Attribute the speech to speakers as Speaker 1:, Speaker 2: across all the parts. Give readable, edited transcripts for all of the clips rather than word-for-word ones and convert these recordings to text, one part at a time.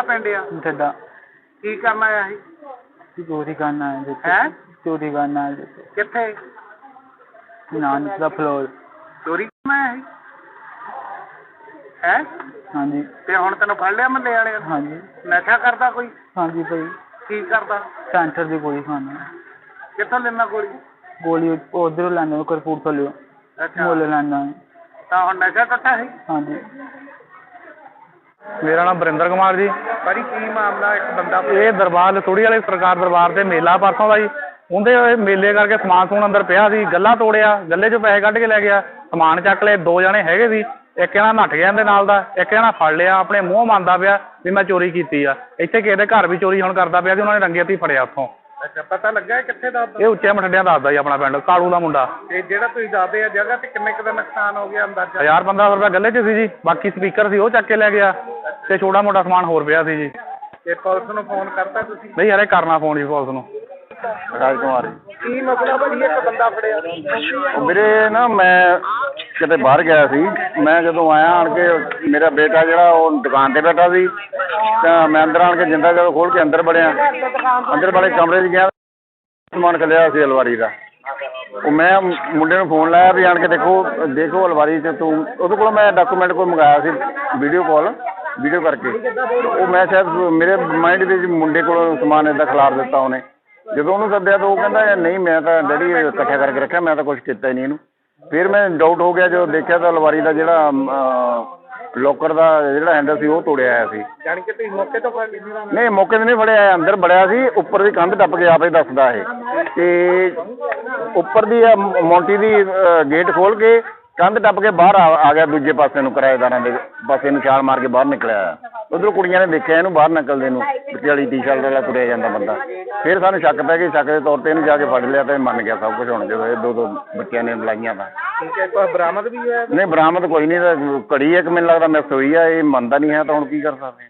Speaker 1: ਪਿੰਡ ਆ?
Speaker 2: ਠੱਡਾ।
Speaker 1: ਕੀ ਕਰਨ ਆਇਆ ਸੀ?
Speaker 2: ਚੋਰੀ ਕਰਨ ਆਏ ਜੀ।
Speaker 1: ਹੈਂ?
Speaker 2: ਚੋਰੀ ਕਰਨ ਆਏ ਜੀ।
Speaker 1: ਕਿੱਥੇ?
Speaker 2: ਨਾਨਕ ਦਾ ਫਲੋਰ।
Speaker 1: ਚੋਰੀ ਕਰਨ ਆਇਆ ਸੀ? ਹੈਂ?
Speaker 2: ਹਾਂਜੀ।
Speaker 1: ਤੇ ਹੁਣ ਤੈਨੂੰ ਫੜ ਲਿਆ ਮਹੱਲੇ ਵਾਲਿਆਂ ਨੇ?
Speaker 2: ਹਾਂਜੀ।
Speaker 1: ਨਸ਼ਾ ਕਰਦਾ ਕੋਈ?
Speaker 2: ਹਾਂਜੀ ਭਾਈ।
Speaker 1: ਕੀ ਕਰਦਾ?
Speaker 2: ਸੈਂਟਰ ਦੀ ਗੋਲੀ ਖਾਣਾ।
Speaker 1: ਕਿੱਥੋਂ ਲੈਂਦਾ ਗੋਲੀ?
Speaker 2: ਗੋਲੀ ਉਧਰੋਂ ਲੈਂਦਾ ਕਰਪੂਰਥਲੇ।
Speaker 1: ਅੱਛਾ।
Speaker 2: ਮੁੱਲ ਲੈਂਦਾ।
Speaker 1: ਤਾਂ ਹੁਣ ਨਸ਼ਾ ਟੁੱਟਾ ਸੀ?
Speaker 2: ਹਾਂਜੀ।
Speaker 3: ਮੇਰਾ ਨਾਮ ਵਰਿੰਦਰ ਕੁਮਾਰ ਜੀ।
Speaker 1: ਭਾਜੀ ਕੀ ਮਾਮਲਾ? ਇੱਕ ਬੰਦਾ
Speaker 3: ਇਹ ਦਰਬਾਰ ਲਸੋੜੀ ਵਾਲੇ ਸਰਕਾਰ ਦਰਬਾਰ ਤੇ ਮੇਲਾ ਪਰਸੋਂ ਦਾ ਜੀ। ਉਹਦੇ ਮੇਲੇ ਕਰਕੇ ਸਮਾਨ ਸਮੂਨ ਅੰਦਰ ਪਿਆ ਸੀ, ਗੱਲਾ ਤੋੜਿਆ, ਗੱਲੇ 'ਚੋਂ ਪੈਸੇ ਕੱਢ ਕੇ ਲੈ ਗਿਆ, ਸਮਾਨ ਚੱਕ ਲਏ। 2 ਜਣੇ ਹੈਗੇ ਸੀ, ਇੱਕ ਜਣਾ ਨੱਠ ਗਿਆ ਇਹਦੇ ਨਾਲ ਦਾ, ਇੱਕ ਜਣਾ ਫੜ ਲਿਆ, ਆਪਣੇ ਮੂੰਹ ਮੰਨਦਾ ਪਿਆ ਵੀ ਮੈਂ ਚੋਰੀ ਕੀਤੀ ਆ। ਇੱਥੇ ਕਿਸੇ ਦੇ ਘਰ ਵੀ ਚੋਰੀ ਹੁਣ ਕਰਦਾ ਪਿਆ ਸੀ, ਉਹਨਾਂ ਨੇ ਰੰਗੇ ਹੱਥੀਂ ਫੜਿਆ ਉੱਥੋਂ।
Speaker 1: ਅੱਛਾ, ਪਤਾ ਲੱਗਾ ਕਿੱਥੇ ਦਾ?
Speaker 3: ਇਹ ਉੱਚੇ ਮਠੰਡਿਆਂ ਦੱਸਦਾ ਜੀ, ਆਪਣਾ ਪਿੰਡ ਕਾਲੂ ਦਾ ਮੁੰਡਾ।
Speaker 1: ਤੇ ਜਿਹੜਾ ਤੁਸੀਂ ਦੱਸਦੇ ਆ ਜਗ੍ਹਾ ਤੇ ਕਿੰਨੇ ਕੁ ਦਾ ਨੁਕਸਾਨ ਹੋ ਗਿਆ ਅੰਦਾਜ਼ਾ?
Speaker 3: 1000-1500 ਰੁਪਇਆ ਗੱਲੇ 'ਚ ਸੀ ਜੀ, ਬਾਕੀ ਸਪੀਕਰ ਸੀ ਉਹ ਚੱਕ ਕੇ ਲੈ ਗਿਆ ਤੇ ਛੋਟਾ ਮੋਟਾ ਸਮਾਨ ਹੋਰ ਪਿਆ ਸੀ ਜੀ।
Speaker 1: ਤੇ ਪੁਲਿਸ ਨੂੰ ਫੋਨ ਕਰਤਾ ਤੁਸੀਂ?
Speaker 3: ਨਹੀਂ ਯਾਰ, ਇਹ ਕਰਨਾ ਫੋਨ ਜੀ ਪੁਲਿਸ ਨੂੰ।
Speaker 4: ਰਾਜ ਕੁਮਾਰ
Speaker 1: ਕੀ ਮਸਲਾ ਭਾਜੀ? ਇੱਕ ਬੰਦਾ ਫੜਿਆ।
Speaker 4: ਵੀਰੇ ਨਾ, ਮੈਂ ਕਿਤੇ ਬਾਹਰ ਗਿਆ ਸੀ। ਮੈਂ ਜਦੋਂ ਆਇਆ ਆਣ ਕੇ, ਮੇਰਾ ਬੇਟਾ ਜਿਹੜਾ ਉਹ ਦੁਕਾਨ ਤੇ ਬੈਠਾ ਸੀ, ਤਾਂ ਮੈਂ ਅੰਦਰ ਆਣ ਕੇ ਜਿੰਦਾ ਜਦੋਂ ਖੋਲ ਕੇ ਅੰਦਰ ਵੜਿਆ, ਅੰਦਰ ਵਾਲੇ ਕਮਰੇ 'ਚ ਗਿਆ, ਸਮਾਨ ਕੱਲਿਆ ਸੀ ਅਲਮਾਰੀ ਦਾ। ਉਹ ਮੈਂ ਮੁੰਡੇ ਨੂੰ ਫੋਨ ਲਾਇਆ ਵੀ ਆਣ ਕੇ ਦੇਖੋ ਅਲਮਾਰੀ 'ਚ। ਤੂੰ ਉਹਦੇ ਕੋਲ ਮੈਂ ਡਾਕੂਮੈਂਟ ਕੋਈ ਮੰਗਾਇਆ ਸੀ, ਵੀਡੀਓ ਕਰਕੇ। ਉਹ ਮੈਂ ਸ਼ਾਇਦ ਮੇਰੇ ਮਾਈਂਡ ਦੇ ਵਿੱਚ ਮੁੰਡੇ ਕੋਲ ਸਮਾਨ ਇੱਦਾਂ ਖਿਲਾਰ ਦਿੱਤਾ ਉਹਨੇ। ਜਦੋਂ ਉਹਨੂੰ ਸੱਦਿਆ ਤਾਂ ਉਹ ਕਹਿੰਦਾ ਨਹੀਂ, ਮੈਂ ਤਾਂ ਡੈਡੀ ਇਕੱਠਾ ਕਰਕੇ ਰੱਖਿਆ, ਮੈਂ ਤਾਂ ਕੁਛ ਕੀਤਾ ਹੀ ਨਹੀਂ ਇਹਨੂੰ। ਫਿਰ ਮੈਂ ਡਾਊਟ ਹੋ ਗਿਆ, ਜਦੋਂ ਦੇਖਿਆ ਤਾਂ ਅਲਮਾਰੀ ਦਾ ਜਿਹੜਾ ਲੋਕਰ ਦਾ ਜਿਹੜਾ ਹੈਂਡਲ ਸੀ ਉਹ ਤੋੜਿਆ ਹੋਇਆ ਸੀ।
Speaker 1: ਜਾਣੀ ਕਿ ਤੁਸੀਂ ਮੌਕੇ ਤੋਂ ਫੜ ਲਿਆ?
Speaker 4: ਨਹੀਂ, ਮੌਕੇ 'ਤੇ ਨਹੀਂ ਫੜਿਆ, ਅੰਦਰ ਵੜਿਆ ਸੀ। ਉੱਪਰ ਦੀ ਕੰਧ ਟੱਪ ਕੇ ਆਪੇ ਦੱਸਦਾ ਇਹ, ਤੇ ਉੱਪਰ ਦੀ ਮੌਂਟੀ ਦੀ ਗੇਟ ਖੋਲ ਕੇ ਕੰਧ ਟੱਪ ਕੇ ਬਾਹਰ ਆ ਗਿਆ ਦੂਜੇ ਪਾਸੇ ਨੂੰ, ਕਿਰਾਏਦਾਰਾਂ ਦੇ ਪਾਸੇ ਨੂੰ ਛਾਲ ਮਾਰ ਕੇ ਬਾਹਰ ਨਿਕਲਿਆ। ਉੱਧਰੋਂ ਕੁੜੀਆਂ ਨੇ ਦੇਖਿਆ ਇਹਨੂੰ ਬਾਹਰ ਨਿਕਲਦੇ ਨੂੰ, ਵਿਚਾਲੀ ਟੀ-ਸ਼ਰਟ ਵਾਲਾ ਤੁਰਿਆ ਜਾਂਦਾ ਬੰਦਾ। ਫਿਰ ਸਾਨੂੰ ਸ਼ੱਕ ਪੈ ਗਈ, ਸ਼ੱਕ ਦੇ ਤੌਰ 'ਤੇ ਇਹਨੂੰ ਜਾ ਕੇ ਫੜ ਲਿਆ ਤੇ ਮੰਨ ਗਿਆ ਸਭ ਕੁਝ। ਹੁਣ ਜਦੋਂ ਇਹ 2 ਬੱਚਿਆਂ ਨੇ ਲਾਈਆਂ ਤਾਂ
Speaker 1: ਠੀਕ ਹੈ। ਕੋਈ ਬਰਾਮਦ ਵੀ ਹੋਇਆ?
Speaker 4: ਨਹੀਂ, ਬਰਾਮਦ ਕੋਈ ਨਹੀਂ। ਤਾਂ ਘੜੀ ਇੱਕ ਮੈਨੂੰ ਲੱਗਦਾ ਮਿਸ ਹੋਈ ਆ, ਇਹ ਮੰਨਦਾ ਨਹੀਂ ਹੈ, ਤਾਂ ਹੁਣ ਕੀ ਕਰ ਸਕਦੇ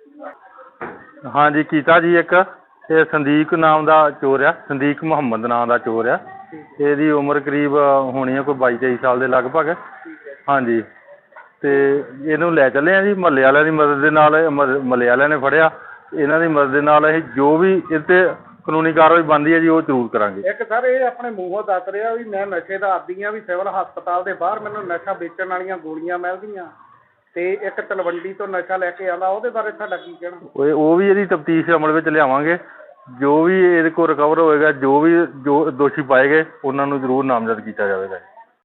Speaker 4: ਹਾਂ।
Speaker 3: ਹਾਂਜੀ, ਕੀਤਾ ਜੀ। ਇੱਕ ਇਹ ਸੰਦੀਕ ਨਾਮ ਦਾ ਚੋਰ ਆ, ਸੰਦੀਕ ਮੁਹੰਮਦ ਨਾਮ ਦਾ ਚੋਰ ਆ। ਇਹਦੀ ਉਮਰ ਕਰੀਬ ਹੋਣੀ ਆ ਕੋਈ 22-23 ਸਾਲ ਦੇ ਲਗਭਗ। ਹਾਂਜੀ, ਤੇ ਇਹਨੂੰ ਲੈ ਚੱਲੇ ਆ ਜੀ ਮਹੱਲੇ ਵਾਲਿਆਂ ਦੀ ਮਦਦ ਦੇ ਨਾਲ। ਮਹੱਲੇ ਵਾਲਿਆਂ ਨੇ ਫੜਿਆ, ਇਹਨਾਂ ਦੀ ਮਦਦ ਦੇ ਨਾਲ ਅਸੀਂ ਜੋ ਵੀ ਇਹ 'ਤੇ ਕਾਨੂੰਨੀ ਕਾਰਵਾਈ ਬਣਦੀ ਹੈ ਜੀ ਉਹ ਜ਼ਰੂਰ ਕਰਾਂਗੇ।
Speaker 1: ਇੱਕ ਸਰ ਇਹ ਆਪਣੇ ਮੂੰਹੋਂ ਦੱਸ ਰਿਹਾ ਵੀ ਮੈਂ ਨਸ਼ੇ ਦਾ ਆਦੀ ਹਾਂ, ਵੀ ਸਿਵਲ ਹਸਪਤਾਲ ਦੇ ਬਾਹਰ ਮੈਨੂੰ ਨਸ਼ਾ ਵੇਚਣ ਵਾਲੀਆਂ ਗੋਲੀਆਂ ਮਿਲਦੀਆਂ, ਤੇ ਇੱਕ ਤਲਵੰਡੀ ਤੋਂ ਨਸ਼ਾ ਲੈ ਕੇ ਆਉਂਦਾ। ਉਹਦੇ ਬਾਰੇ ਤੁਹਾਡਾ ਕੀ ਕਹਿਣਾ?
Speaker 3: ਉਹ ਵੀ ਇਹਦੀ ਤਫਤੀਸ਼ ਅਮਲ ਵਿੱਚ ਲਿਆਵਾਂਗੇ। ਜੋ ਵੀ ਇਹਦੇ ਕੋਲ ਰਿਕਵਰ ਹੋਏਗਾ, ਜੋ ਦੋਸ਼ੀ ਪਾਏ ਗਏ ਉਹਨਾਂ ਨੂੰ ਜ਼ਰੂਰ ਨਾਮਜ਼ਦ ਕੀਤਾ ਜਾਵੇਗਾ।